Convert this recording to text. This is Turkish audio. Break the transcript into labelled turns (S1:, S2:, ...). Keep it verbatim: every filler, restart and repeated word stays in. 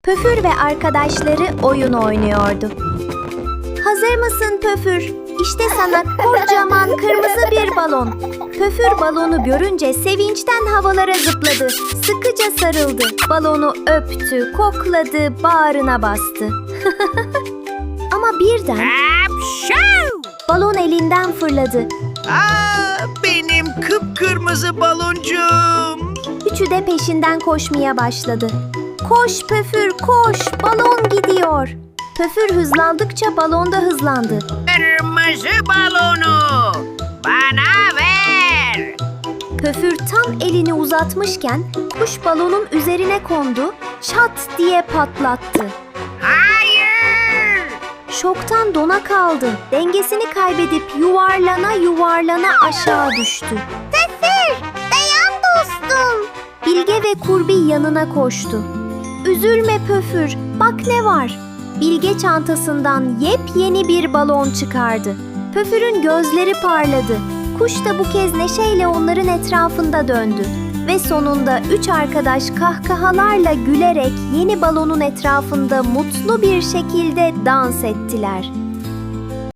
S1: Pöfür ve arkadaşları oyun oynuyordu. Hazır mısın Pöfür? İşte sana kocaman kırmızı bir balon. Pöfür balonu görünce sevinçten havalara zıpladı. Sıkıca sarıldı. Balonu öptü, kokladı, bağrına bastı. Ama birden
S2: Hapşu!
S1: balon elinden fırladı.
S2: Aa, benim kıpkırmızı baloncuğum.
S1: Üçü de peşinden koşmaya başladı. Koş Pöfür, koş! Balon gidiyor. Pöfür hızlandıkça balon da hızlandı.
S2: Kırmızı balonu bana ver.
S1: Pöfür tam elini uzatmışken kuş balonun üzerine kondu, çat diye patlattı.
S2: Hayır!
S1: Şoktan dona kaldı. Dengesini kaybedip yuvarlana yuvarlana aşağı düştü. Pöfür, dayan dostum. Bilge ve Kurbi yanına koştu. Üzülme Pöfür, bak ne var. Bilge çantasından yepyeni bir balon çıkardı. Pöfür'ün gözleri parladı. Kuş da bu kez neşeyle onların etrafında döndü. Ve sonunda üç arkadaş kahkahalarla gülerek yeni balonun etrafında mutlu bir şekilde dans ettiler.